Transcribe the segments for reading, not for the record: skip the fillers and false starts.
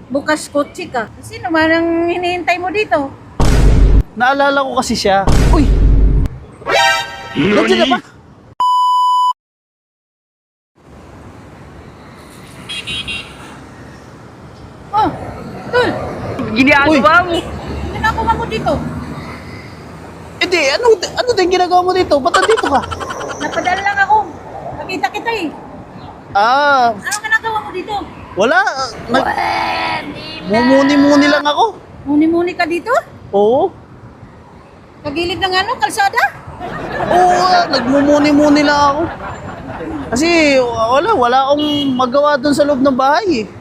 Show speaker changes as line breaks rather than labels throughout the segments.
bukas kotse ka. Sino man ang hinihintay mo dito?
Naalala ko kasi siya. Uy! Nandiyan na ba?
Oh, Tol,
Ginagawa mo.
ginagawa mo dito?
Hindi, ano din ginagawa mo dito? Ba't nandito ka?
Napadala lang ako. Nakita kita eh.
Ah,
Anong ginagawa mo dito?
wala. Mumuni-muni lang ako.
Muni-muni ka dito?
Oo.
Kagilid ng ano, kalsada?
Oo, nagmumuni-muni lang ako. Kasi wala akong magawa doon sa loob ng bahay eh.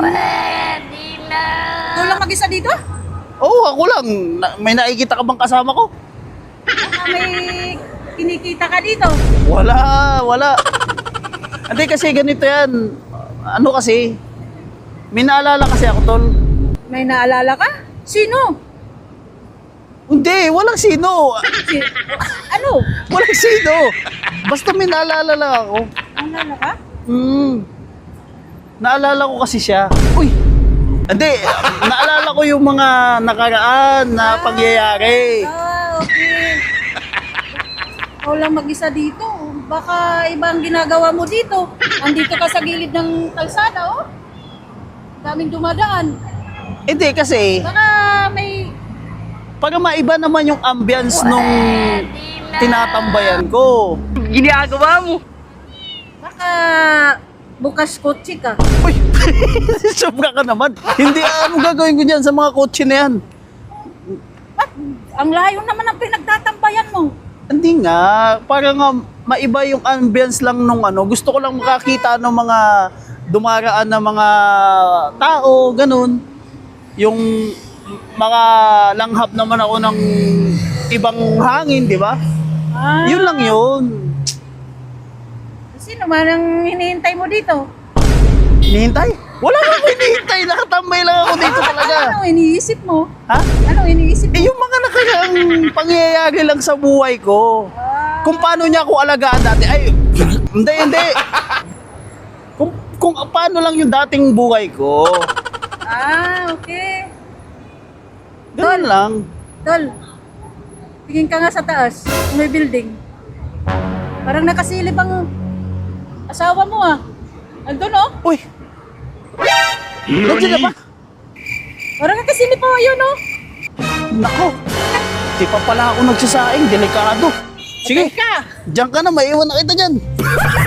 Ikaw lang mag-isa dito?
Oo, ako lang. May nakikita ka bang kasama ko?
Baka may kinikita ka dito?
Wala. Hindi kasi ganito yan. Ano kasi, may naalala kasi ako, tol.
May naalala ka? Sino?
Hindi, walang sino.
Si- ano?
Walang sino. Basta may naalala lang ako.
Naalala ka?
Naalala ko kasi siya. Uy! Hindi, naalala ko yung mga nakaraan na pangyayari.
Okay. Ikaw lang mag-isa dito. Baka ibang ginagawa mo dito. Andito ka sa gilid ng kalsada, oh. Daming dumadaan.
Hindi kasi,
Baka may...
para maiba naman yung ambience nung tinatambayan ko.
Ginagawa mo.
Baka bukas kotse ka.
Uy! Sobra ka naman. Hindi, ano gagawin ko dyan sa mga kotse na yan?
Ba't ang layo naman ang pinagtatambayan mo?
Hindi nga, para nga maiba yung ambience lang nung ano. Gusto ko lang makakita ng mga dumaraan na mga tao, ganun. Yung mga langhap naman ako ng ibang hangin, di ba?
Ah,
Yun lang yun.
Sino man ang hinihintay mo dito?
Hinihintay? Wala akong hinihintay. Nakatambay lang ako dito talaga.
Anong iniisip mo?
Ha?
Anong iniisip mo?
Eh, yung mga nakaraang pangyayari lang sa buhay ko. Kung paano niya ako alagaan dati. Ay, hindi. Kung paano lang yung dating buhay ko.
Okay.
Ganun lang.
Tol, tingin ka nga sa taas. May building. Parang nakasilip ang asawa mo ah. Andun oh.
Uy! Nandiyan na ba?
Parang nakasilip pa yun oh.
Nako! Di pa pala ako nagsasaing. Delikado. Sige,
Ka.
diyan ka na. Maiwan na kita dyan.